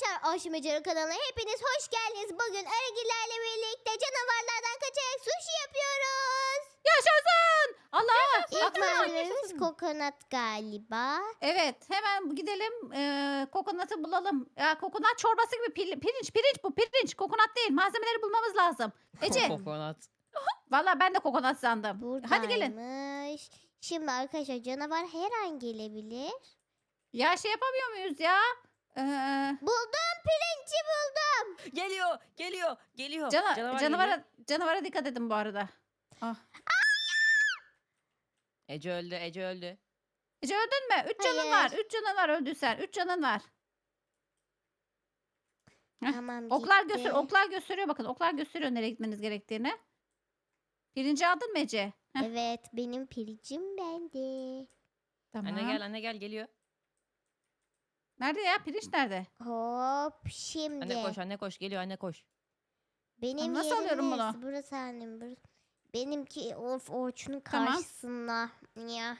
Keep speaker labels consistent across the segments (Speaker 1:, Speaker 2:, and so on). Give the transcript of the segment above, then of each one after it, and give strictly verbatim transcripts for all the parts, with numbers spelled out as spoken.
Speaker 1: Arkadaşlar Aşmecere kanalına hepiniz hoş geldiniz. Bugün Arıgillerle birlikte canavarlardan kaçarak sushi yapıyoruz.
Speaker 2: Yaşasın! Allah!
Speaker 1: İlk
Speaker 2: Bak,
Speaker 1: malzememiz
Speaker 2: yaşasın.
Speaker 1: kokonat galiba.
Speaker 2: Evet, hemen gidelim e, kokonatı bulalım. Ya kokonat çorbası gibi pil- pirinç, pirinç bu, pirinç. Kokonat değil. Malzemeleri bulmamız lazım. Ece,
Speaker 3: Kokonat.
Speaker 2: valla ben de kokonat sandım. Hadi gelin.
Speaker 1: Buradaymış. Şimdi arkadaşlar canavar her an gelebilir.
Speaker 2: Ya şey yapamıyor muyuz ya? Ee,
Speaker 1: Buldum, pirinci buldum.
Speaker 3: Geliyor, geliyor, geliyor.
Speaker 2: cana-
Speaker 3: Canavar
Speaker 2: canavara,
Speaker 3: geliyor.
Speaker 2: canavara dikkat edin bu arada. Ah.
Speaker 3: Ece öldü, Ece öldü.
Speaker 2: Ece öldün mü? Üç canın
Speaker 1: Hayır.
Speaker 2: var. Üç canın var öldüysen. Üç canın var. Heh,
Speaker 1: Tamam
Speaker 2: Oklar
Speaker 1: gitti.
Speaker 2: göster, oklar gösteriyor bakın. Oklar gösteriyor nereye gitmeniz gerektiğini. Pirinci aldın mı Ece? Heh,
Speaker 1: Evet, benim pirincim bende.
Speaker 2: tamam.
Speaker 3: Anne gel, anne gel, geliyor.
Speaker 2: Nerede ya? Pirinç nerede?
Speaker 1: Hop şimdi.
Speaker 3: Anne koş, anne koş, geliyor, anne koş.
Speaker 1: Benim
Speaker 2: Nasıl
Speaker 1: yerim
Speaker 2: alıyorum bunu?
Speaker 1: neresi? Burası annem. Burası. Benimki of Orçun'un
Speaker 2: Tamam.
Speaker 1: karşısında. Ya.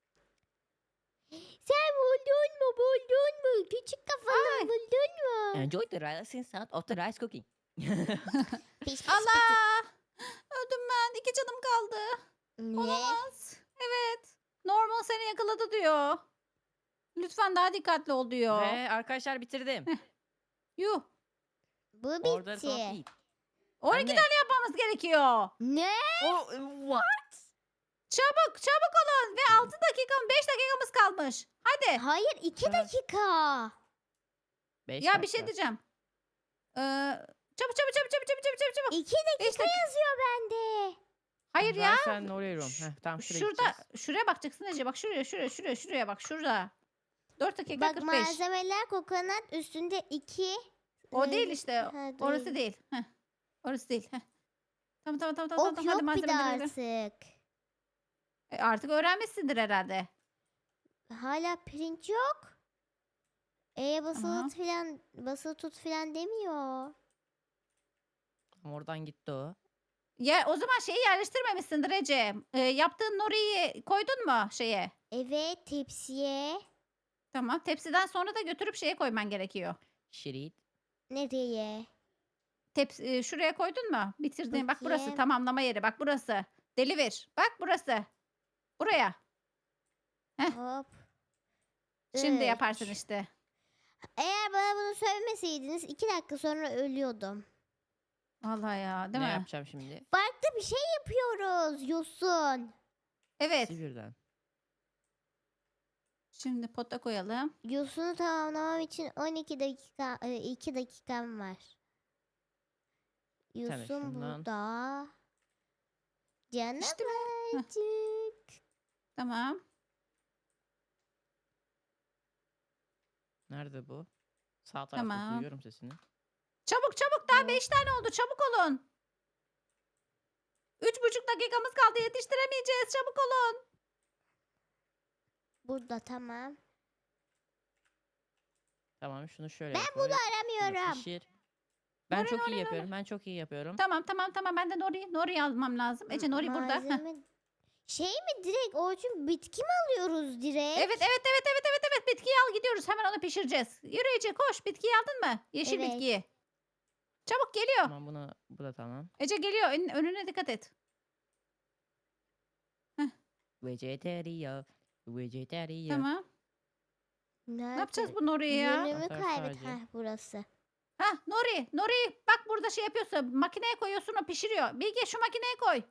Speaker 1: Sen buldun mu? Buldun mu? Küçük kafalı buldun mu?
Speaker 3: Enjoy the rising sound of the rice cooking.
Speaker 1: Piş piş
Speaker 2: Allah! Öldüm ben. İki canım kaldı.
Speaker 1: piş. Ne?
Speaker 2: Olamaz. Evet. Normal seni yakaladı diyor. Lütfen daha dikkatli ol diyor.
Speaker 3: Ve arkadaşlar bitirdim.
Speaker 2: Yuh.
Speaker 1: Bu
Speaker 3: Order
Speaker 1: bitti.
Speaker 3: complete.
Speaker 2: on iki
Speaker 3: Anne.
Speaker 2: tane yapmamız gerekiyor.
Speaker 1: Ne?
Speaker 3: Oh, what?
Speaker 2: Çabuk çabuk olun. Ve altı dakika beş dakikamız kalmış. Hadi.
Speaker 1: Hayır, iki
Speaker 3: Evet.
Speaker 1: dakika.
Speaker 3: Beş
Speaker 2: Ya bir
Speaker 3: dakika.
Speaker 2: şey diyeceğim. Ee, çabuk çabuk çabuk çabuk çabuk çabuk çabuk.
Speaker 1: İki dakika
Speaker 2: Beş dakika.
Speaker 1: yazıyor bende.
Speaker 2: Hayır ya.
Speaker 3: Sen oraya rom. Heh, tamam şuraya
Speaker 2: Şurada
Speaker 3: gideceğiz.
Speaker 2: şuraya bakacaksın Ece. Bak şuraya şuraya şuraya şuraya bak şurada. dört dakika
Speaker 1: Bak
Speaker 2: kırk beş.
Speaker 1: malzemeler kokonat üstünde iki.
Speaker 2: O
Speaker 1: Ne?
Speaker 2: değil işte.
Speaker 1: Ha,
Speaker 2: Orası değil. Heh. Orası değil. Heh. Tamam tamam tamam tamam.
Speaker 1: Ok
Speaker 2: tamam. Hadi
Speaker 1: yok bir de
Speaker 2: malzemeleri ver.
Speaker 1: artık.
Speaker 2: E, artık öğrenmişsindir herhalde.
Speaker 1: Hala pirinç yok. E basılı
Speaker 2: Tamam.
Speaker 1: tut filan basılı tut filan demiyor.
Speaker 3: Tamam, oradan gitti o.
Speaker 2: Ya o zaman şeyi yerleştirmemişsindir Ece. E, yaptığın noriyi koydun mu şeye?
Speaker 1: Evet, tepsiye.
Speaker 2: Tamam. Tepsiden sonra da götürüp şeye koyman gerekiyor.
Speaker 3: Şirit.
Speaker 1: Nereye?
Speaker 2: Tepsi, e, şuraya koydun mu? Bitirdin. Bak burası
Speaker 1: Bakayım.
Speaker 2: tamamlama yeri. Bak burası. Deliver. Bak burası. Buraya. Heh.
Speaker 1: Hop.
Speaker 2: Şimdi
Speaker 1: Üç.
Speaker 2: yaparsın işte.
Speaker 1: Eğer bana bunu söylemeseydiniz iki dakika sonra ölüyordum.
Speaker 2: Vallahi ya, değil
Speaker 3: ne
Speaker 2: mi?
Speaker 3: yapacağım şimdi?
Speaker 1: Farklı bir şey yapıyoruz Yosun.
Speaker 2: Evet.
Speaker 3: İkisi birden.
Speaker 2: Şimdi pota koyalım.
Speaker 1: Yosun'u tamamlamam için on iki dakika e, iki dakikam var. Yosun
Speaker 3: şundan.
Speaker 1: burada. Canım
Speaker 2: İşte bu. Heh.
Speaker 1: acık.
Speaker 2: Tamam.
Speaker 3: Nerede bu? Sağ tarafta
Speaker 2: Tamam.
Speaker 3: duyuyorum sesini.
Speaker 2: Çabuk çabuk daha
Speaker 1: Hop.
Speaker 2: beş tane oldu. Çabuk olun. Üç buçuk dakikamız kaldı. Yetiştiremeyeceğiz. Çabuk olun.
Speaker 1: Burada tamam.
Speaker 3: Tamam şunu şöyle
Speaker 1: Ben
Speaker 3: koy.
Speaker 1: bunu
Speaker 3: şunu
Speaker 1: aramıyorum.
Speaker 3: pişir. Ben
Speaker 2: Nuri,
Speaker 3: çok
Speaker 2: Nuri,
Speaker 3: iyi
Speaker 2: Nuri.
Speaker 3: yapıyorum. Ben çok iyi yapıyorum.
Speaker 2: Tamam tamam tamam. Ben de Nori, Nori almam lazım. Ece Nori burada. Heh.
Speaker 1: Malzeme- Şey mi direkt Orçun bitki mi alıyoruz direkt?
Speaker 2: Evet evet evet evet evet evet. Bitkiyi al gidiyoruz. Hemen onu pişireceğiz. Yürü Ece koş. Bitkiyi aldın mı? Yeşil
Speaker 1: Evet.
Speaker 2: bitkiyi. Çabuk geliyor.
Speaker 3: Tamam bunu bu da tamam.
Speaker 2: Ece geliyor. Ön- önüne dikkat et.
Speaker 3: Vegetarian. Vegetarian.
Speaker 2: Tamam.
Speaker 1: Nerede?
Speaker 2: Ne yapacağız bu Nori'yi ya?
Speaker 1: Yönümü
Speaker 3: Atar
Speaker 1: kaybet.
Speaker 3: sadece.
Speaker 1: Heh, burası.
Speaker 2: Hah Nori. Nori bak burada şey yapıyorsun. Makineye koyuyorsun o pişiriyor. Bilge şu makineye koy.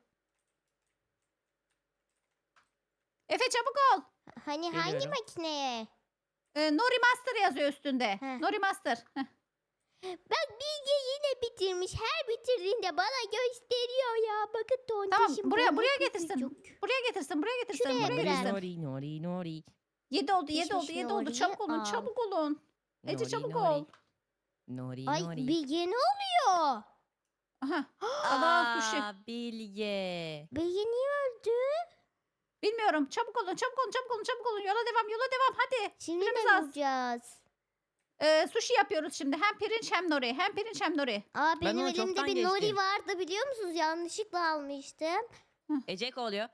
Speaker 2: Efe çabuk ol.
Speaker 1: Hani hangi
Speaker 3: Geliyorum.
Speaker 1: makineye?
Speaker 2: Ee, Nori Master yazıyor üstünde.
Speaker 1: Heh.
Speaker 2: Nori Master. Heh.
Speaker 1: Bak Bilge yine bitirmiş. Her bitirdiğinde bana gösteriyor ya. Bakın
Speaker 2: Tamam
Speaker 1: tontişim.
Speaker 2: buraya
Speaker 1: böyle
Speaker 2: buraya
Speaker 1: küçücük.
Speaker 2: getirsin. Buraya getirsin. Buraya getirsin.
Speaker 1: Şuraya
Speaker 2: buraya
Speaker 1: bırak.
Speaker 2: getirsin.
Speaker 3: Nori nori nori.
Speaker 2: Yedi oldu yedi oldu
Speaker 1: Pişmiş
Speaker 2: yedi oldu.
Speaker 1: Nori'yi
Speaker 2: Çabuk olun
Speaker 1: al.
Speaker 2: çabuk olun. Ece
Speaker 3: Nori,
Speaker 2: çabuk
Speaker 3: nori.
Speaker 2: ol.
Speaker 3: Nori
Speaker 1: Ay
Speaker 3: nori.
Speaker 1: Bilge ne oluyor?
Speaker 2: Aha. Allah'ın sushi.
Speaker 3: Aa, Bilge.
Speaker 1: Bilge niye öldü?
Speaker 2: Bilmiyorum. Çabuk olun çabuk olun çabuk olun çabuk olun. Yola devam yola devam hadi.
Speaker 1: Şimdi
Speaker 2: Süremiz
Speaker 1: ne
Speaker 2: az.
Speaker 1: bulacağız?
Speaker 2: Ee, sushi yapıyoruz şimdi. Hem pirinç hem nori. Hem pirinç hem nori.
Speaker 1: Aa
Speaker 3: Ben
Speaker 1: benim
Speaker 3: onu
Speaker 1: elimde
Speaker 3: çoktan
Speaker 1: bir nori
Speaker 3: geçtim.
Speaker 1: vardı biliyor musunuz? Yanlışlıkla almıştım.
Speaker 3: Ece oluyor.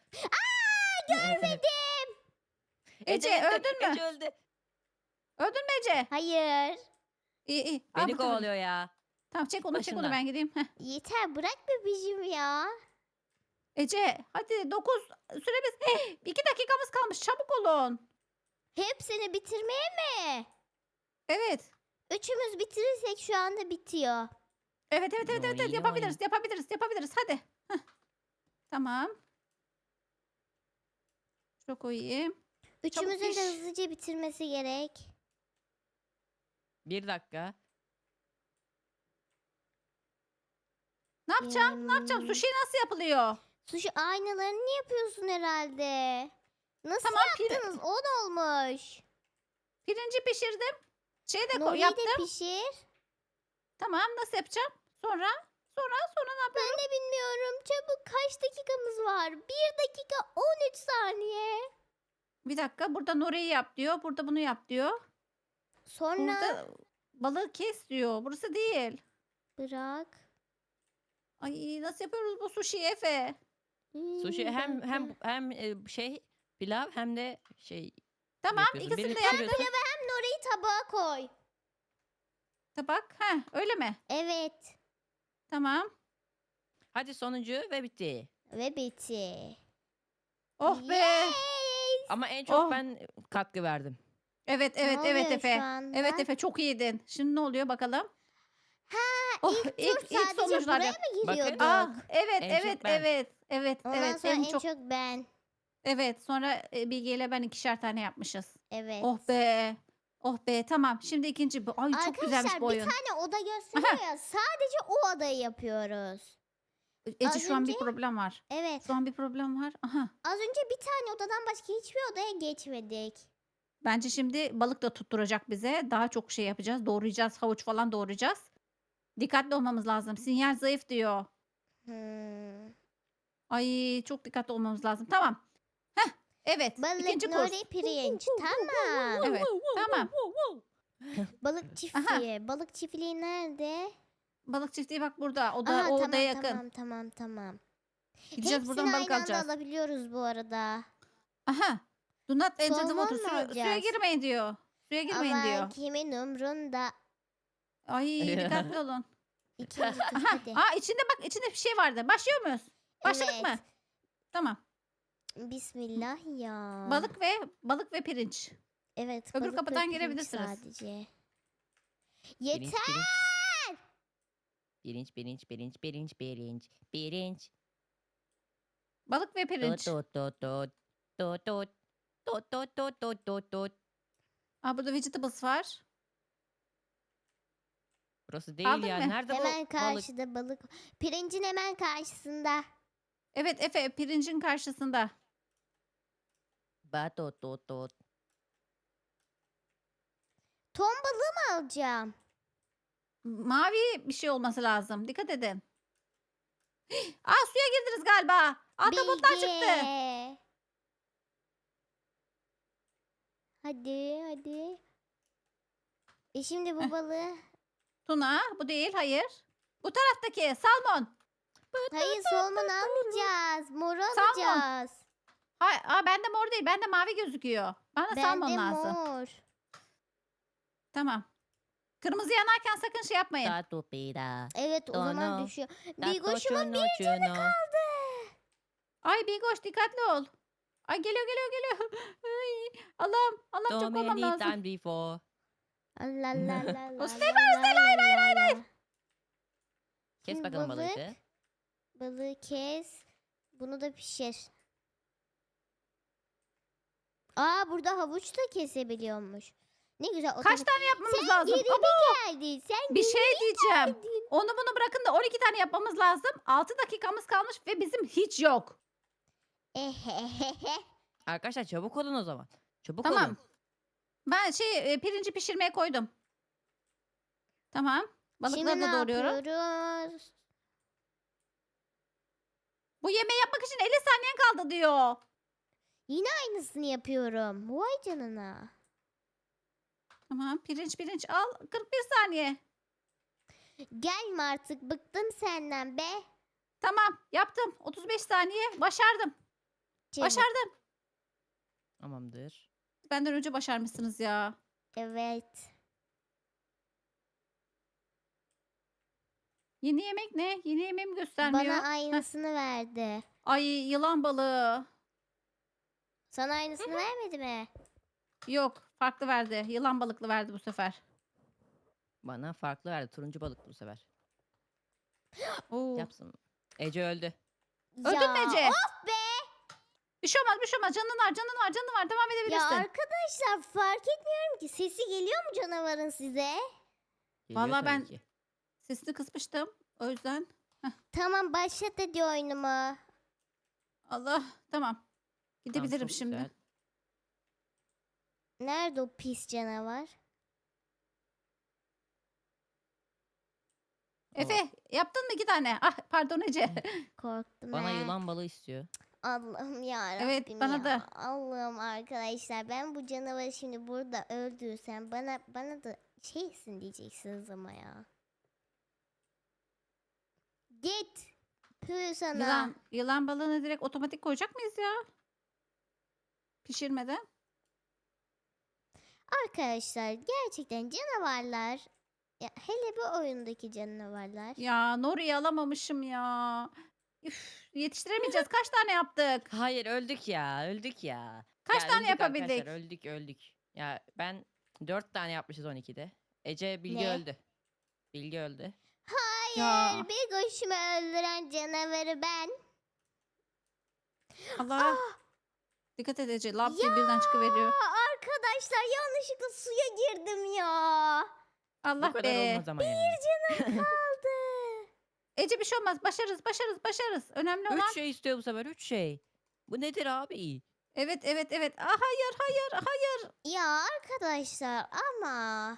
Speaker 1: Görmedim.
Speaker 2: Ece,
Speaker 3: öldü,
Speaker 2: öldün mü?
Speaker 3: Ece öldü.
Speaker 2: Öldün mü Ece?
Speaker 1: Hayır.
Speaker 2: İyi iyi. Al
Speaker 3: Beni
Speaker 2: bu sefer.
Speaker 3: kovalıyor ya.
Speaker 2: Tamam çek onu çek onu
Speaker 3: Başından.
Speaker 2: ben gideyim. Heh.
Speaker 1: Yeter bırak bebişim ya.
Speaker 2: Ece hadi dokuz süremiz. Hey, iki dakikamız kalmış çabuk olun.
Speaker 1: Hepsini bitirmeye mi?
Speaker 2: Evet.
Speaker 1: Üçümüz bitirirsek şu anda bitiyor.
Speaker 2: Evet evet evet evet, evet.
Speaker 3: Noy,
Speaker 2: yapabiliriz
Speaker 3: noy.
Speaker 2: yapabiliriz yapabiliriz hadi. Heh. Tamam. Çok koyayım.
Speaker 1: Üçümüzün
Speaker 2: piş.
Speaker 1: de hızlıca bitirmesi gerek.
Speaker 3: Bir dakika.
Speaker 2: Ne yapacağım? Ne yapacağım?
Speaker 1: Hmm,
Speaker 2: Sushi nasıl yapılıyor?
Speaker 1: Sushi aynalarını yapıyorsun herhalde. Nasıl
Speaker 2: Tamam pir-
Speaker 1: yaptınız? On olmuş.
Speaker 2: pirinci pişirdim. Şey de koy-
Speaker 1: Nori'yi
Speaker 2: yaptım.
Speaker 1: de pişir.
Speaker 2: Tamam nasıl yapacağım? Sonra sonra sonra ne yapıyorum?
Speaker 1: Ben de bilmiyorum. Çabuk kaç dakikamız var? Bir dakika on üç saniye.
Speaker 2: Bir dakika burada Nuri'yi yap diyor. Burada bunu yap diyor.
Speaker 1: Sonra
Speaker 2: Burada balığı kes diyor. Burası değil.
Speaker 1: bırak.
Speaker 2: Ay nasıl yapıyoruz bu sushi Efe?
Speaker 1: Hmm,
Speaker 3: Sushi hem
Speaker 1: bekle.
Speaker 3: hem hem e, şey pilav hem de şey
Speaker 2: Tamam
Speaker 3: yapıyorsun.
Speaker 2: ikisini
Speaker 3: Birini
Speaker 2: de yaptım.
Speaker 3: pişiriyorsun.
Speaker 1: Hem Nori'yi tabağa koy.
Speaker 2: Tabak. Heh, öyle mi?
Speaker 1: Evet.
Speaker 2: Tamam.
Speaker 3: Hadi sonuncu ve bitti.
Speaker 1: Ve bitti.
Speaker 2: Oh be.
Speaker 1: Yes.
Speaker 3: Ama en çok
Speaker 2: Oh.
Speaker 3: ben katkı verdim.
Speaker 2: Evet
Speaker 1: Ne
Speaker 2: evet evet
Speaker 1: oluyor
Speaker 2: Efe.
Speaker 1: şu anda?
Speaker 2: Evet Efe çok iyiydin. Şimdi ne oluyor bakalım?
Speaker 1: Ha,
Speaker 2: Oh,
Speaker 1: ilk
Speaker 2: ilk,
Speaker 1: tur
Speaker 2: ilk
Speaker 1: sadece
Speaker 2: sonuçlar
Speaker 1: buraya
Speaker 2: yap.
Speaker 1: mı
Speaker 3: Bakın.
Speaker 1: giriyorduk?
Speaker 2: Ah, evet
Speaker 3: En çok
Speaker 2: evet
Speaker 3: ben.
Speaker 2: evet evet
Speaker 1: Ondan
Speaker 2: evet
Speaker 1: sonra
Speaker 2: en
Speaker 1: en
Speaker 2: çok,
Speaker 1: çok ben.
Speaker 2: evet sonra e, Bilge ile ben ikişer tane yapmışız.
Speaker 1: Evet.
Speaker 2: Oh be. Oh be tamam. Şimdi ikinci bu. Ay çok güzelmiş
Speaker 1: Arkadaşlar
Speaker 2: bu
Speaker 1: bir
Speaker 2: oyun.
Speaker 1: tane oda gösteriyor ya. Sadece o odayı yapıyoruz.
Speaker 2: Ece
Speaker 1: az
Speaker 2: şu an bir
Speaker 1: önce-
Speaker 2: problem var.
Speaker 1: Evet.
Speaker 2: Şu an bir problem var. Aha.
Speaker 1: Az önce bir tane odadan başka hiçbir odaya geçmedik.
Speaker 2: Bence şimdi balık da tutturacak bize. Daha çok şey yapacağız. Doğrayacağız. Havuç falan doğrayacağız. Dikkatli olmamız lazım. Sinyal zayıf diyor.
Speaker 1: Hmm.
Speaker 2: Ay çok dikkatli olmamız lazım. Tamam. Heh. Evet.
Speaker 1: Balık,
Speaker 2: ikinci kurs.
Speaker 1: nori, pirinç. Tamam.
Speaker 2: Evet. Tamam.
Speaker 1: Balık çiftliği. Balık çiftliği nerede?
Speaker 2: Balık çiftliği bak burada. O da
Speaker 1: Aha,
Speaker 2: o
Speaker 1: tamam,
Speaker 2: odaya yakın.
Speaker 1: tamam tamam tamam.
Speaker 2: Gideceğiz
Speaker 1: Hepsini
Speaker 2: buradan balık
Speaker 1: aynı anda
Speaker 2: alacağız.
Speaker 1: alabiliyoruz bu arada.
Speaker 2: Aha. Do not enter the
Speaker 1: Salmon
Speaker 2: water.
Speaker 1: mu
Speaker 2: Suya, suya
Speaker 1: alacağız?
Speaker 2: girmeyin diyor. Suya girmeyin
Speaker 1: Ama
Speaker 2: diyor.
Speaker 1: kimin umrunda?
Speaker 2: Ay dikkatli olun.
Speaker 1: İkinci tur
Speaker 2: Aha.
Speaker 1: hadi.
Speaker 2: Aa içinde bak içinde bir şey vardı. Başlıyor muyuz? Başladık
Speaker 1: Evet.
Speaker 2: mı? Tamam.
Speaker 1: Bismillah ya.
Speaker 2: Balık ve balık ve pirinç.
Speaker 1: Evet.
Speaker 2: Öbür
Speaker 1: balık ve
Speaker 2: kapıdan
Speaker 1: pirinç
Speaker 2: girebilirsiniz.
Speaker 1: Sadece.
Speaker 3: Pirinç,
Speaker 1: Yeter.
Speaker 3: pirinç. Pirinç, pirinç, pirinç, pirinç, pirinç.
Speaker 2: Balık ve
Speaker 3: Tut
Speaker 2: pirinç.
Speaker 3: tut tut tut. Tut tut. Tut tut tut tut tut tut.
Speaker 2: Aa burada vegetables var.
Speaker 3: Burası değil
Speaker 2: Aldın
Speaker 3: ya.
Speaker 2: mı?
Speaker 3: Nerede bu
Speaker 1: Hemen
Speaker 3: balık?
Speaker 1: karşıda balık. Pirincin hemen karşısında.
Speaker 2: Evet Efe pirincin karşısında.
Speaker 3: Ba tut tut tut.
Speaker 1: Ton balığı mı alacağım?
Speaker 2: Mavi bir şey olması lazım. Dikkat edin. Aa suya girdiniz galiba. Ahtapotlar çıktı.
Speaker 1: Bilge. Hadi hadi. E şimdi bu
Speaker 2: Heh.
Speaker 1: balığı.
Speaker 2: Tuna bu değil hayır. Bu taraftaki salmon.
Speaker 1: Hayır solman almayacağız. Mor
Speaker 2: Salmon.
Speaker 1: alacağız.
Speaker 2: Hay, aa bende mor değil bende mavi gözüküyor. Bana salmon
Speaker 1: Bende
Speaker 2: lazım.
Speaker 1: mor.
Speaker 2: Tamam. Kırmızı yanarken sakın şey yapmayın.
Speaker 3: Ta tu pida.
Speaker 1: Evet o zaman
Speaker 3: Dono.
Speaker 1: düşüyor.
Speaker 3: Ta
Speaker 1: Bilgoş'umun
Speaker 3: cochuno chuno.
Speaker 2: Ay Bilgoş dikkatli ol. Ay geliyor geliyor geliyor. Ay, Allah'ım Allah'ım
Speaker 3: So
Speaker 2: çok olmam
Speaker 3: many
Speaker 2: lazım.
Speaker 3: times before.
Speaker 1: Allah Allah Allah Allah.
Speaker 2: Stay var, stay, hayır, hayır, hayır, hayır.
Speaker 3: Kes
Speaker 1: Şimdi
Speaker 3: bakalım
Speaker 1: balık.
Speaker 3: balığı.
Speaker 1: Balığı kes. Bunu da pişir. Aa burada havuç da kesebiliyormuş. Ne güzel.
Speaker 2: Kaç
Speaker 1: otomatik-
Speaker 2: tane yapmamız
Speaker 1: Sen
Speaker 2: lazım?
Speaker 1: geri
Speaker 2: Abo,
Speaker 1: mi geldin? Sen
Speaker 2: bir
Speaker 1: geri
Speaker 2: şey diyeceğim.
Speaker 1: geldin.
Speaker 2: Onu bunu bırakın da on iki tane yapmamız lazım. altı dakikamız kalmış ve bizim hiç yok.
Speaker 1: Ehehehe.
Speaker 3: Arkadaşlar çabuk olun o zaman. Çabuk
Speaker 2: Tamam.
Speaker 3: olun.
Speaker 2: Ben şey e, pirinci pişirmeye koydum. Tamam. Balıkları
Speaker 1: Şimdi
Speaker 2: da
Speaker 1: ne
Speaker 2: doğruyorum.
Speaker 1: yapıyoruz?
Speaker 2: Bu yemeği yapmak için elli saniyen kaldı diyor.
Speaker 1: Aynısını yapıyorum. Vay canına.
Speaker 2: Tamam pirinç pirinç al. kırk bir saniye.
Speaker 1: Gelme artık. Bıktım senden be.
Speaker 2: Tamam yaptım. otuz beş saniye. Başardım.
Speaker 1: Çabuk.
Speaker 2: Başardım.
Speaker 3: Tamamdır.
Speaker 2: Benden önce başarmışsınız ya.
Speaker 1: Evet.
Speaker 2: Yeni yemek ne? Yeni yemeğimi göstermiyor.
Speaker 1: Bana
Speaker 2: Heh.
Speaker 1: aynısını verdi.
Speaker 2: Ay yılan balığı.
Speaker 1: Sana aynısını vermedi mi?
Speaker 2: Yok farklı verdi. Yılan balıklı verdi bu sefer.
Speaker 3: Bana farklı verdi. Turuncu balık bu sefer.
Speaker 2: Oo.
Speaker 3: Yapsın. Ece öldü.
Speaker 2: Öldün mü Ece?
Speaker 1: Of be!
Speaker 2: Bir şey olmaz bir şey olmaz. Canın var canın var canın var. Devam
Speaker 1: Ya
Speaker 2: edebilirsin.
Speaker 1: arkadaşlar fark etmiyorum ki. Sesi geliyor mu canavarın size?
Speaker 3: Geliyor
Speaker 2: Vallahi
Speaker 3: tabii
Speaker 2: ben-
Speaker 3: ki.
Speaker 2: Sesini kısmıştım. O yüzden.
Speaker 1: Tamam başlat hadi oyunumu.
Speaker 2: Allah. Tamam.
Speaker 3: Tamam,
Speaker 2: Gidebilirim
Speaker 3: çok
Speaker 2: şimdi.
Speaker 3: güzel.
Speaker 1: Nerede o pis canavar?
Speaker 2: Efe yaptın mı iki tane? Ah pardon Ece.
Speaker 1: Korktum
Speaker 3: Bana
Speaker 1: he.
Speaker 3: yılan balığı istiyor.
Speaker 1: Allah'ım ya
Speaker 2: Evet,
Speaker 1: Rabbim
Speaker 2: bana
Speaker 1: ya.
Speaker 2: da.
Speaker 1: Allah'ım arkadaşlar ben bu canavarı şimdi burada öldürsem bana bana da şeysin diyeceksiniz ama ya. Git. Püh sana.
Speaker 2: Yılan, yılan balığını direkt otomatik koyacak mıyız ya? Pişirmeden.
Speaker 1: Arkadaşlar gerçekten canavarlar ya hele bu oyundaki canavarlar.
Speaker 2: Ya Nori'yi alamamışım ya. Üf, yetiştiremeyeceğiz. Kaç tane yaptık?
Speaker 3: Hayır öldük ya. Öldük ya.
Speaker 2: Kaç
Speaker 3: Ya
Speaker 2: tane
Speaker 3: öldük
Speaker 2: yapabildik?
Speaker 3: arkadaşlar, öldük öldük. Ya ben dört tane yapmışız on ikide. Ece Bilge
Speaker 1: Ne?
Speaker 3: öldü. Bilge öldü.
Speaker 1: Hayır
Speaker 2: Ya.
Speaker 1: bir koşumu öldüren canavarı ben.
Speaker 2: Allah. Dikkat et Ece. Lap diye birden çıkıveriyor.
Speaker 1: Aa, arkadaşlar yanlışlıkla suya girdim ya.
Speaker 2: Allah
Speaker 3: Bu kadar
Speaker 2: be.
Speaker 3: olmaz ama yani.
Speaker 1: Kaldı.
Speaker 2: Ece bir şey olmaz. Başarırız, başarırız, başarırız. Önemli olan.
Speaker 3: Üç şey istiyor bu sefer. Üç şey. Bu nedir abi?
Speaker 2: Evet, evet, evet. Ah, hayır, hayır, hayır.
Speaker 1: Ya arkadaşlar ama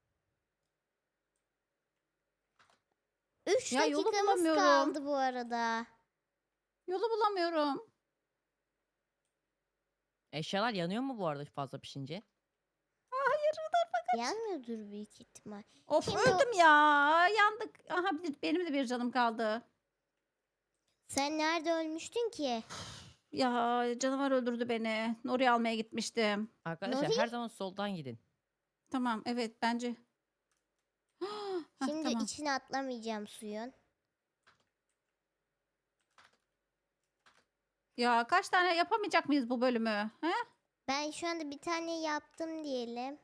Speaker 1: üç
Speaker 2: Ya yolu
Speaker 1: dakikamız
Speaker 2: bulamıyorum.
Speaker 1: kaldı bu arada.
Speaker 2: Yolu bulamıyorum.
Speaker 3: Eşyalar yanıyor mu bu arada fazla pişince?
Speaker 1: Yanmıyordur büyük ihtimal.
Speaker 2: Of
Speaker 1: Şimdi o-
Speaker 2: öldüm ya. Yandık. Aha bir- benim de bir canım kaldı.
Speaker 1: Sen nerede ölmüştün ki?
Speaker 2: Ya canavar öldürdü beni. Nori almaya gitmiştim.
Speaker 3: Arkadaşlar
Speaker 1: Nuri?
Speaker 3: her zaman soldan gidin.
Speaker 2: Tamam evet bence. Hah,
Speaker 1: Şimdi
Speaker 2: tamam.
Speaker 1: içine atlamayacağım suyun.
Speaker 2: Ya kaç tane yapamayacak mıyız bu bölümü? He?
Speaker 1: Ben şu anda bir tane yaptım diyelim.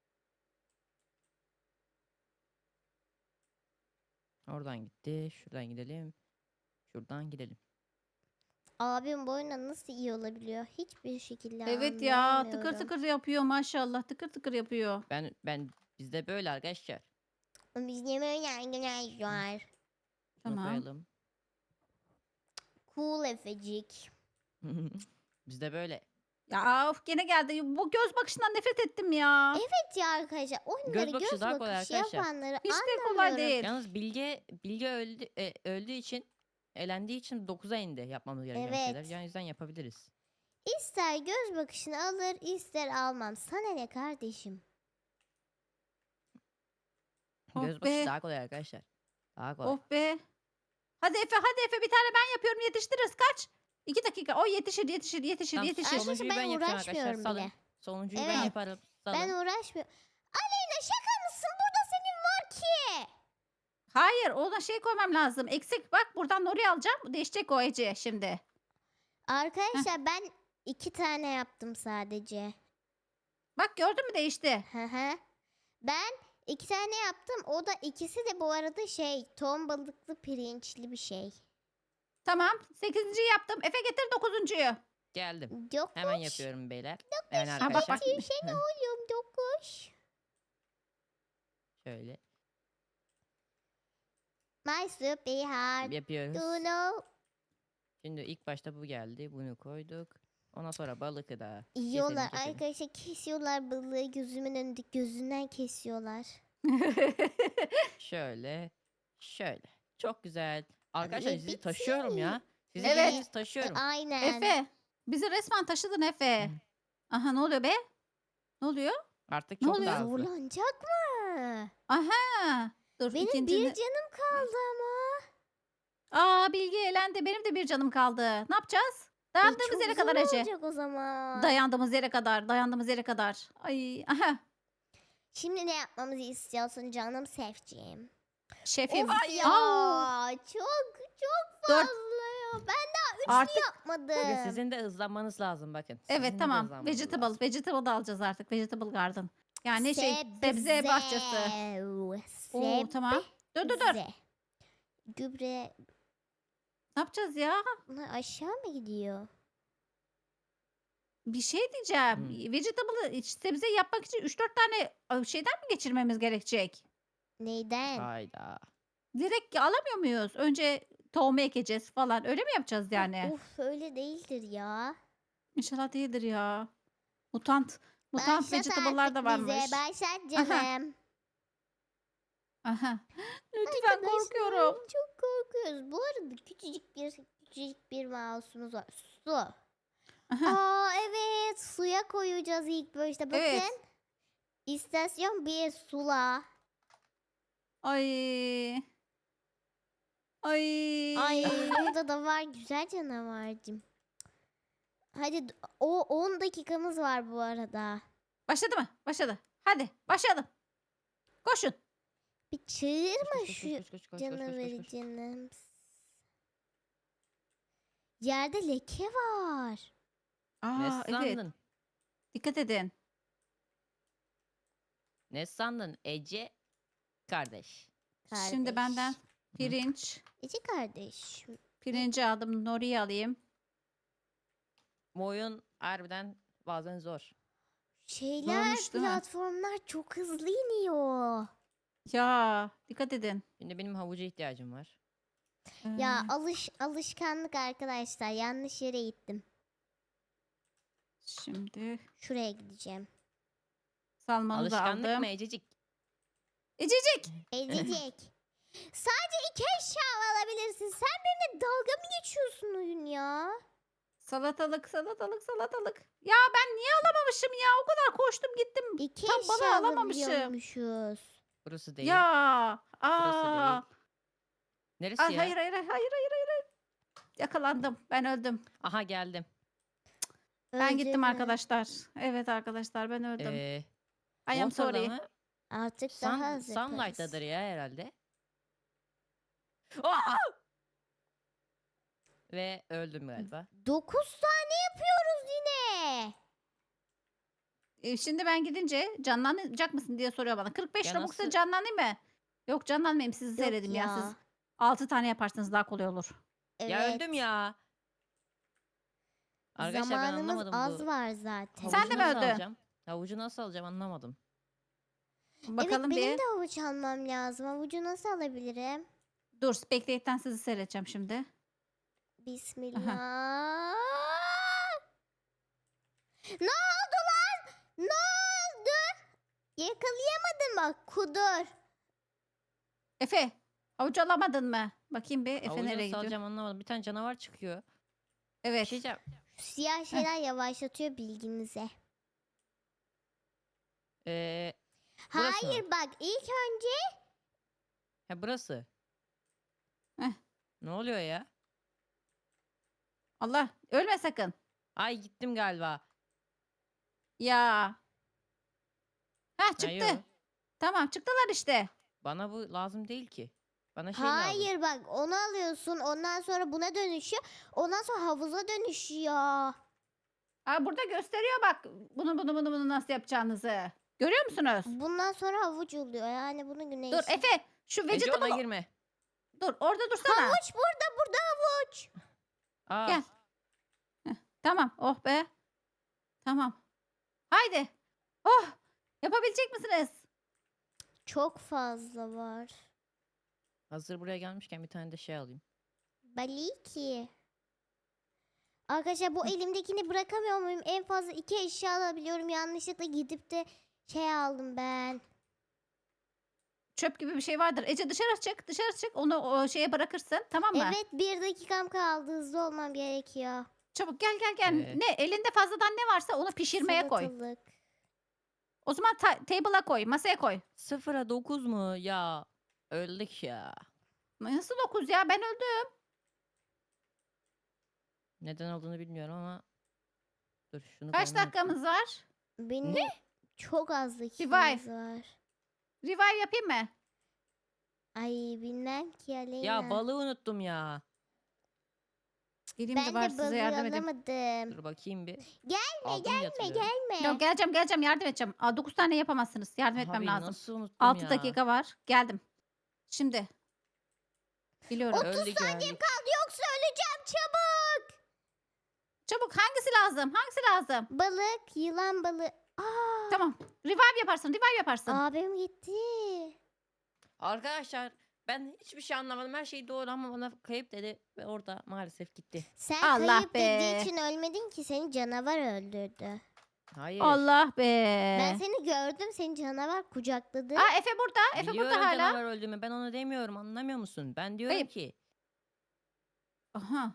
Speaker 3: Oradan gitti. Şuradan gidelim. Şuradan gidelim.
Speaker 1: Abim bu oyunda nasıl iyi olabiliyor? Hiçbir şekilde
Speaker 2: Evet ya tıkır
Speaker 1: anlayamıyorum.
Speaker 2: tıkır yapıyor maşallah. Tıkır tıkır yapıyor.
Speaker 3: Ben ben bizde böyle arkadaşlar.
Speaker 1: Biz ne böyle arkadaşlar.
Speaker 3: Bunu
Speaker 2: Tamam.
Speaker 3: koyalım.
Speaker 1: Cool Efecik.
Speaker 3: Bizde böyle.
Speaker 2: Ya of gene geldi. Bu göz bakışından nefret ettim ya.
Speaker 1: Evet ya arkadaşlar oyunları
Speaker 3: bakışı
Speaker 1: göz
Speaker 3: daha kolay
Speaker 1: bakışı
Speaker 3: arkadaşlar.
Speaker 1: yapanları
Speaker 2: Hiç de
Speaker 1: anlamıyorum.
Speaker 2: kolay değil.
Speaker 3: Yalnız Bilge Bilge öldü e, öldüğü için elendiği için dokuza indi yapmamız gereken
Speaker 1: Evet.
Speaker 3: şeyler. Yani o yüzden yapabiliriz.
Speaker 1: İster göz bakışını alır ister almam. Sana ne kardeşim?
Speaker 2: Oh
Speaker 3: Göz bakışı
Speaker 2: be.
Speaker 3: daha kolay arkadaşlar. Daha kolay.
Speaker 2: Of be. Hadi Efe hadi Efe bir tane ben yapıyorum yetiştiririz kaç? İki dakika. O yetişir yetişir yetişir
Speaker 3: Tamam,
Speaker 2: yetişir.
Speaker 3: Sonuncuyu
Speaker 1: Arkadaşlar
Speaker 3: ben
Speaker 1: ben
Speaker 3: yapacağım arkadaşlar,
Speaker 1: uğraşmıyorum
Speaker 3: salın.
Speaker 1: bile.
Speaker 3: Sonuncuyu
Speaker 1: Evet.
Speaker 3: ben yaparım. Salın.
Speaker 1: Ben uğraşmıyorum. Aleyna şaka mısın? Burada senin var ki.
Speaker 2: Hayır ona şey koymam lazım. Eksik bak buradan Nori alacağım. Değişecek o Ece şimdi.
Speaker 1: Arkadaşlar ben iki tane yaptım sadece.
Speaker 2: Bak gördün mü değişti.
Speaker 1: Hı hı. Ben iki tane yaptım. O da ikisi de bu arada şey ton balıklı pirinçli bir şey.
Speaker 2: Tamam. Sekizinciyi yaptım. Efe getir dokuzuncuyu.
Speaker 3: Geldim.
Speaker 1: Dokuş.
Speaker 3: Hemen yapıyorum beyler. Yani
Speaker 2: Ha, bak,
Speaker 3: arkadaşlar.
Speaker 2: bak.
Speaker 1: Şey ne oğlum dokuş.
Speaker 3: Şöyle
Speaker 1: My super hard.
Speaker 3: yapıyoruz.
Speaker 1: Do know.
Speaker 3: Şimdi ilk başta bu geldi. Bunu koyduk. Ondan sonra balıkı da.
Speaker 1: Yiyorlar
Speaker 3: keselim.
Speaker 1: arkadaşlar kesiyorlar balığı gözümün önünde gözünden kesiyorlar.
Speaker 3: Şöyle. Şöyle. Çok güzel. Arkadaşlar
Speaker 1: Ve
Speaker 3: sizi taşıyorum ya. Sizi
Speaker 2: Evet.
Speaker 3: evet. taşıyorum.
Speaker 1: Aynen.
Speaker 2: Efe. Bizi resmen taşıdın Efe. Aha ne oluyor be? Ne oluyor?
Speaker 3: Artık
Speaker 2: Ne
Speaker 3: çok
Speaker 2: oluyor?
Speaker 3: daha hızlı.
Speaker 1: Zorlanacak mı?
Speaker 2: Aha. Dur
Speaker 1: Benim
Speaker 2: ikincini.
Speaker 1: bir canım kaldı ama.
Speaker 2: Aa Bilge elendi. Benim de bir canım kaldı. Ne yapacağız?
Speaker 1: E,
Speaker 2: Dayandığımız
Speaker 1: çok
Speaker 2: yere
Speaker 1: zor
Speaker 2: kadar Ece.
Speaker 1: olacak o zaman.
Speaker 2: Dayandığımız yere kadar. Dayandığımız yere kadar. Ay aha.
Speaker 1: Şimdi ne yapmamızı istiyorsun canım sevciğim?
Speaker 2: Şefim.
Speaker 1: Of ya
Speaker 2: Au!
Speaker 1: çok çok
Speaker 2: Dört.
Speaker 1: fazla ya. Ben daha üç
Speaker 2: Artık
Speaker 1: yapmadım.
Speaker 3: Bakın sizin de hızlanmanız lazım bakın.
Speaker 2: evet
Speaker 3: Sizin de
Speaker 2: tamam.
Speaker 3: hızlanmanız
Speaker 2: Vegetable.
Speaker 3: lazım.
Speaker 2: Vegetable da alacağız artık. Vegetable garden. Yani şey
Speaker 1: Sebze.
Speaker 2: sebze bahçesi. Oo tamam. Dur dur dur.
Speaker 1: Sebze. Gübre.
Speaker 2: Ne yapacağız ya?
Speaker 1: Bunlar aşağı mı gidiyor?
Speaker 2: Bir şey diyeceğim.
Speaker 3: Hmm.
Speaker 2: Vegetable'ı iç- sebze yapmak için üç dört tane e, şeyden mi geçirmemiz gerekecek?
Speaker 1: Neyden?
Speaker 3: Hayda.
Speaker 2: Direkt alamıyor muyuz? Önce tohumu ekeceğiz falan. Öyle mi yapacağız yani?
Speaker 1: Uf öyle değildir ya.
Speaker 2: İnşallah değildir ya. Mutant. Mutant
Speaker 1: Başlat
Speaker 2: vegetable'lar
Speaker 1: artık
Speaker 2: da varmış.
Speaker 1: bize. Başlat canım.
Speaker 2: Aha. Lütfen korkuyorum.
Speaker 1: Arkadaşlar, çok korkuyoruz. Bu arada küçücük bir küçücük bir mouse'umuz var. Su.
Speaker 2: Aha.
Speaker 1: Aa evet suya koyacağız ilk başta. Bakın.
Speaker 2: Evet.
Speaker 1: İstasyon bir sula.
Speaker 2: Ay. Ay.
Speaker 1: Ay burada da var güzel canavarcım. Hadi d- o on dakikamız var bu arada.
Speaker 2: Başladı mı? Başladı. Hadi başlayalım. Koşun.
Speaker 1: Bir çığırma
Speaker 3: Koş, koş,
Speaker 1: şu
Speaker 3: koş, koş, koş, koş, koş, koş,
Speaker 1: canavarı
Speaker 3: koş.
Speaker 1: canım. Yerde leke var.
Speaker 3: Ne
Speaker 2: Aa, evet.
Speaker 3: sandın?
Speaker 2: Dikkat edin.
Speaker 3: Ne sandın Ece kardeş?
Speaker 2: Şimdi benden
Speaker 1: Kardeş.
Speaker 2: pirinç.
Speaker 1: Ece kardeş.
Speaker 2: Pirinci aldım. Nori'yi alayım.
Speaker 3: Bu oyun harbiden bazen zor.
Speaker 1: Şeyler,
Speaker 2: Zormuş, değil mi?
Speaker 1: platformlar çok hızlı iniyor.
Speaker 2: Ya dikkat edin.
Speaker 3: Şimdi benim havuca ihtiyacım var.
Speaker 1: Ya
Speaker 2: Ee,
Speaker 1: alış alışkanlık arkadaşlar. Yanlış yere gittim.
Speaker 2: Şimdi
Speaker 1: Şuraya gideceğim.
Speaker 2: salmanı da
Speaker 3: Alışkanlık
Speaker 2: aldım.
Speaker 3: mı Ececik?
Speaker 2: Ececik.
Speaker 1: Ezecek. Sadece iki eşya alabilirsin. Sen benimle dalga mı geçiyorsun oyun ya?
Speaker 2: Salatalık, salatalık, salatalık. Ya ben niye alamamışım ya? O kadar koştum gittim.
Speaker 1: İki
Speaker 2: Tam bana
Speaker 1: eşya
Speaker 2: alamamışım.
Speaker 1: alabiliyormuşuz.
Speaker 3: Burası değil.
Speaker 2: Ya.
Speaker 3: Burası
Speaker 2: Aa.
Speaker 3: değil. Neresi
Speaker 2: Ay,
Speaker 3: ya?
Speaker 2: hayır, hayır, hayır, hayır, hayır, hayır. Yakalandım. Ben öldüm.
Speaker 3: Aha geldim.
Speaker 2: Ben
Speaker 1: Öldün
Speaker 2: gittim
Speaker 1: mü?
Speaker 2: arkadaşlar. Evet arkadaşlar ben öldüm.
Speaker 3: Ee,
Speaker 2: I am
Speaker 3: Water'da
Speaker 2: sorry.
Speaker 3: mı?
Speaker 1: Artık daha
Speaker 3: Sun,
Speaker 1: az yaparız.
Speaker 3: Sunlight'tadır ya herhalde. Aa! Ve öldüm galiba.
Speaker 1: Dokuz tane yapıyoruz yine.
Speaker 2: Ee, şimdi ben gidince canlanacak mısın diye soruyor bana. kırk beş
Speaker 3: Ya
Speaker 2: Robux'ta
Speaker 3: nasıl-
Speaker 2: canlanayım mı? Yok canlanmayayım sizi
Speaker 1: Yok
Speaker 2: seyredeyim ya.
Speaker 1: ya.
Speaker 2: Siz altı tane yaparsanız daha kolay olur.
Speaker 1: Evet.
Speaker 3: Ya öldüm ya. Arkadaşlar ben
Speaker 1: Zamanımız
Speaker 3: anlamadım
Speaker 1: az
Speaker 3: bu.
Speaker 1: var zaten.
Speaker 2: Sen
Speaker 3: Havucu
Speaker 2: de mi
Speaker 3: nasıl
Speaker 2: öldün?
Speaker 3: alacağım? Havucu nasıl alacağım anlamadım.
Speaker 2: Bakalım
Speaker 1: evet benim
Speaker 2: bir.
Speaker 1: de avuç almam lazım. Avucu nasıl alabilirim?
Speaker 2: Dur Spectate'den sizi seyredeceğim şimdi.
Speaker 1: Bismillah. Ne oldu lan? Ne oldu? Yakalayamadım bak kudur.
Speaker 2: Efe havuç alamadın mı? Bakayım bir Efe
Speaker 3: Havucu
Speaker 2: nereye
Speaker 3: nasıl
Speaker 2: gidiyor?
Speaker 3: alacağım anlamadım. Bir tane canavar çıkıyor. Bir
Speaker 2: Evet.
Speaker 3: şey diyeceğim.
Speaker 1: Şu siyah şeyler yavaşlatıyor bilginize.
Speaker 3: Ee, burası mı?
Speaker 1: Hayır bak ilk önce
Speaker 3: Ha burası.
Speaker 2: Heh.
Speaker 3: Ne oluyor ya?
Speaker 2: Allah ölme sakın.
Speaker 3: Ay gittim galiba.
Speaker 2: Ya. Ha
Speaker 3: Ha,
Speaker 2: çıktı.
Speaker 3: yok.
Speaker 2: Tamam çıktılar işte.
Speaker 3: Bana bu lazım değil ki. Bana şey lazım.
Speaker 1: hayır bak onu alıyorsun ondan sonra buna dönüşüyor. Ondan sonra havuza dönüşüyor.
Speaker 2: Aa, burada gösteriyor bak bunu bunu bunu bunu nasıl yapacağınızı. Görüyor musunuz?
Speaker 1: Bundan sonra havuç oluyor. Yani bunu güneş.
Speaker 2: Dur Efe şu
Speaker 3: Ece ona
Speaker 2: vegetable
Speaker 3: girme.
Speaker 2: dur orada dursana.
Speaker 1: Havuç burada burada havuç.
Speaker 3: Aa,
Speaker 2: Gel. Heh, tamam oh be. Tamam. Haydi. Oh yapabilecek misiniz?
Speaker 1: Çok fazla var.
Speaker 3: hazır buraya gelmişken bir tane de şey alayım.
Speaker 1: Baliki. Arkadaşlar bu elimdekini bırakamıyor muyum? En fazla iki eşya alabiliyorum. Yanlışlıkla gidip de şey aldım ben.
Speaker 2: Çöp gibi bir şey vardır. Ece dışarı çık dışarı çık onu o şeye bırakırsın tamam mı?
Speaker 1: Evet bir dakikam kaldı. Hızlı olmam gerekiyor.
Speaker 2: Çabuk gel gel gel.
Speaker 3: Evet.
Speaker 2: Ne elinde fazladan ne varsa onu pişirmeye koy.
Speaker 1: Salatalık.
Speaker 2: O zaman ta- table'a koy masaya koy.
Speaker 3: Sıfıra dokuz mu? Ya öldük ya.
Speaker 2: Nasıl dokuz ya ben öldüm.
Speaker 3: Neden olduğunu bilmiyorum ama. Dur şunu
Speaker 2: Kaç
Speaker 3: koymayı unuttum.
Speaker 2: dakikamız var?
Speaker 1: Benim çok az
Speaker 2: Revive.
Speaker 1: dakikamız var.
Speaker 2: Revive yapayım mı?
Speaker 1: Ay bilmem ki Aleyna.
Speaker 3: Ya balığı unuttum ya.
Speaker 2: Geleyim de
Speaker 1: Ben
Speaker 2: bari
Speaker 1: de
Speaker 2: size
Speaker 1: balığı
Speaker 2: yardım edeyim.
Speaker 1: alamadım.
Speaker 3: Dur bakayım bir.
Speaker 1: Gelme
Speaker 3: Aldım diye hatırlıyorum.
Speaker 1: gelme.
Speaker 2: Yok geleceğim geleceğim yardım edeceğim. Aa, dokuz tane yapamazsınız. Yardım etmem
Speaker 3: Abi
Speaker 2: lazım.
Speaker 3: nasıl unuttum
Speaker 2: altı
Speaker 3: ya.
Speaker 2: dakika var. Geldim. Şimdi. Biliyorum.
Speaker 1: otuz
Speaker 3: Öldük,
Speaker 1: saniyem
Speaker 3: öldük.
Speaker 1: kaldı yoksa öleceğim çabuk.
Speaker 2: Çabuk hangisi lazım? Hangisi lazım?
Speaker 1: Balık, yılan balığı. Aa,
Speaker 2: Tamam. Revive yaparsın. Revive yaparsın.
Speaker 1: abim gitti.
Speaker 3: Arkadaşlar ben hiçbir şey anlamadım. Her şey doğru ama bana kayıp dedi ve orada maalesef gitti.
Speaker 1: Sen
Speaker 2: Allah
Speaker 1: kayıp
Speaker 2: be.
Speaker 1: dediği için ölmedin ki seni canavar öldürdü.
Speaker 3: Hayır.
Speaker 2: Allah be.
Speaker 1: Ben seni gördüm seni canavar kucakladı.
Speaker 2: Aa Efe burada. Efe
Speaker 3: Biliyorum
Speaker 2: burada hala.
Speaker 3: canavar öldüğümü. Ben onu demiyorum. Anlamıyor musun? Ben diyorum
Speaker 2: Kayıp.
Speaker 3: ki
Speaker 2: Aha.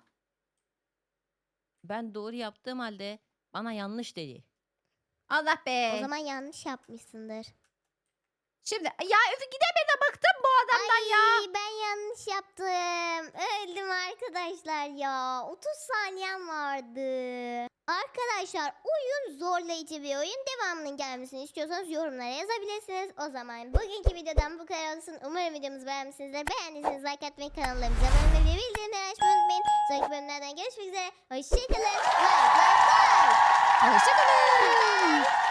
Speaker 3: ben doğru yaptığım halde bana yanlış dedi.
Speaker 2: Allah be.
Speaker 1: O zaman yanlış yapmışsındır.
Speaker 2: Şimdi ya Efe gidemedi bıktım bu adamdan ya.
Speaker 1: Ay, ben yanlış yaptım. Öldüm arkadaşlar ya. otuz saniyem vardı. Arkadaşlar oyun zorlayıcı bir oyun. Devamının gelmesini istiyorsanız yorumlara yazabilirsiniz. O zaman bugünkü videodan bu kadar olsun. Umarım videomuzu beğenmişsinizdir. Beğendiyseniz like atmayı, kanallarımıza abone olmayı ve bildirimleri açmayı unutmayın. Sonraki bölümlerden görüşmek üzere. Hoşçakalın. Like, like, like.
Speaker 2: Hoşçakalın.